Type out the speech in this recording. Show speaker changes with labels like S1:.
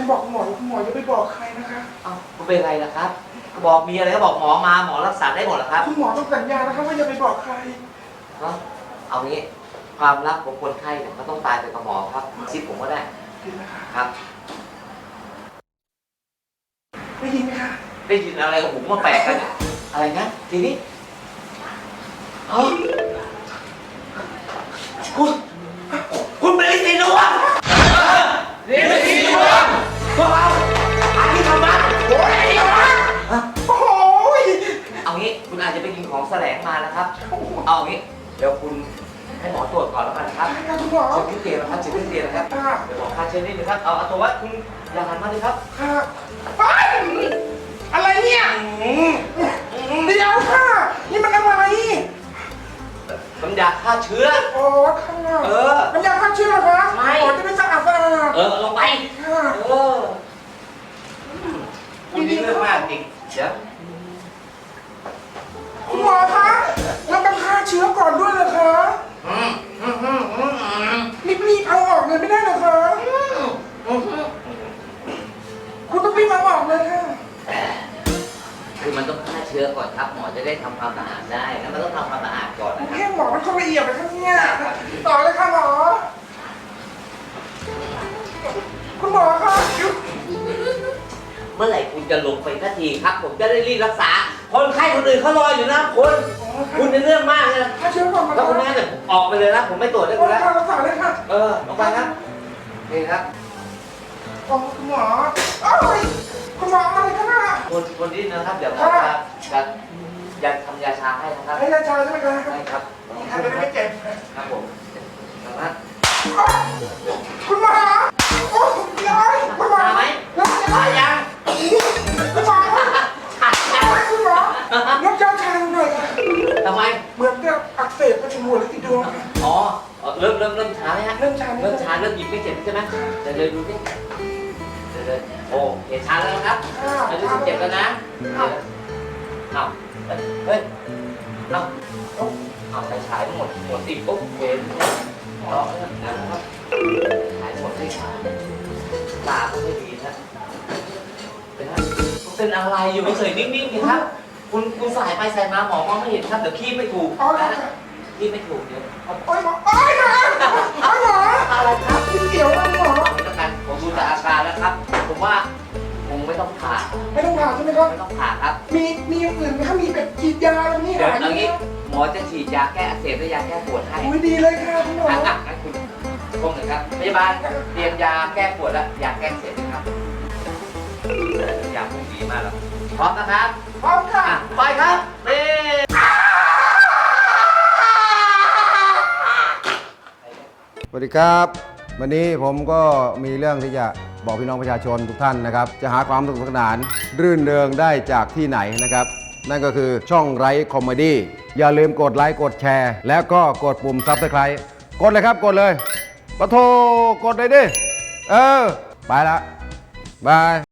S1: บอกคุณหมอคุณหมอจะไปบอกใครนะคะ
S2: คุณเป็นไรล่ะครับบอกมีอะไรก็บอกหมอมาหมอรักษาได้หมดเหรอครับ
S1: คุณหมอต้องสัญญานะคะว่าจะไปบอกใคร
S2: เอางี้ความลับของคนไข้เนี่ยเขาต้องตายไปกับหมอครับชิดผมก็ได้ครับ
S1: ได้ยินไหมคะ
S2: ได้ยินอะไรกับผมมาแปลกกันอะไรนะทีนี้คุณเป็นสีดวงนี่เป็นสีดวงพวกเราอาที่ทำบ้านโอ้ย
S1: โอ้ย
S2: เอางี้คุณอาจจะไปกินของแสลงมานะครับเอางี้เดี๋ยวคุณให้หมอตรวจก่อนแล้วกันครับ
S1: ใช่ครับคุณหมอ
S2: เช็คที่เตียงนะครับเช็คที่เตียงนะครับเดี๋ยวหมอพาเช็คนิดนึงครับเอาตัววัดคุณอย่าหันมาเลยครับ
S1: ค่ะอะไรเนี่ยเดี๋ยวค่ะนี่มันอะไร
S2: น้ำยาฆ่าเชื้อ
S1: โอ้ค่ะน้ำยาฆ่าเชื้อเหรอคะ
S2: ไม่
S1: จะไม่สะอาด
S2: ลงไปคุณนี่เรื่องมากจริงเดี๋ยว
S1: คุณหมอคะเราต้องฆ่าเชื้อก่อนด้วยเหรอคะรีบเอาออกเลยไม่ได้เหรอคะคุณต้องรีบเอาออกเลยค่ะ
S2: คือมันต้องฆ่าเชื้อก่อนครับหมอจะได้ทำความสะอาดได้แล้วมันต้องทำความสะอาดก่อนนะ
S1: แค่หมอมันเข้าละเอียดเลยครับเนี่ยต่อเลยค่ะหมอคุณหมอคะ
S2: เมื่อไหร่คุณจะลงไปสักทีครับผมจะได้รีบรักษาคนไข้คนอื่นเขารออยู่นะคุณในเรื่องมากเลย
S1: ถ้าเชื้อก่อนมา
S2: แล้วคุณแม่เนี่ยออกไปเลยนะผมไม่ตรวจได้คุณแล้ว
S1: รักษาเลยค่ะ
S2: ลงไปครับนี่ครับ
S1: คุณหมอคุณหมออะไรกันน่ะ
S2: คนที่นะครับเดี๋ยวหมอจะทำยาชาให้นะครับ
S1: ให้ยาชาใช่ไหมครับ
S2: ใช่ครับ
S1: จะได้ไม่เจ็บ
S2: ครับผมนะครับ
S1: คุณหมอโอ้ยย้อยคุณหมอ
S2: ไหมยัง
S1: คุณหมอคุณหมอน้ำยาชาหน่อย
S2: ทำไม
S1: เหมือนกับอักเสบไปถึงหัวเลยติดดวง
S2: เริ่มช้าไหมฮะเริ่มช้าเริ่มหยิบไม่เจ็บใช่ไหมเดี๋ยวดูสิเดี๋ยวโอ้เห็นช้าแล้วครับไม่รู้สึกเจ็บแล้วนะเฮ้ยเอาไปฉายหมดติดปุ๊บเห็นนะครับฉายหมดที่ตาก็ไม่ดีนะเป็นอะไรอยู่ไม่เคยนิ่งๆครับคุณสายไปสายมาหมอมองไม่เห็นครับเดี๋ยวขี้ไม่ถูกขี้ไม่ถูกเดี๋ยว
S1: โอ้ยหมออะไรครับเดี๋ยวหมอ
S2: ไม่ต้องการผมดูจากอาการแล้วครับผมว่าคงไม่ต้องผ่า
S1: ใช่ไหมครับ
S2: ไม่ต้องผ่าครับ
S1: มีอย่างอื่นไหมครับมีแบบฉีดยาอะไรนี่
S2: เดี๋ยวอย่างนี้หมอจะฉีดยาแก้อักเสบและยาแก้ปวดให้
S1: ดีเลยค่ะคุณหมอ
S2: งั้นคุณพงศ์ครับพยาบาลเตรียมยาแก้ปวดและยาแก้อักเสบนะครับยาพวกดีมากแล้วพร้อมนะครับ
S1: พร้อมค่ะ
S2: ไปครับ
S3: สวัสดีครับวันนี้ผมก็มีเรื่องที่จะบอกพี่น้องประชาชนทุกท่านนะครับจะหาความสนุกสนานรื่นเริงได้จากที่ไหนนะครับนั่นก็คือช่องไร้คอมเมดี้อย่าลืมกดไลค์กดแชร์แล้วก็กดปุ่มซับสไครต์กดเลยครับกดเลยปะโทกดเลยดิไปละบาย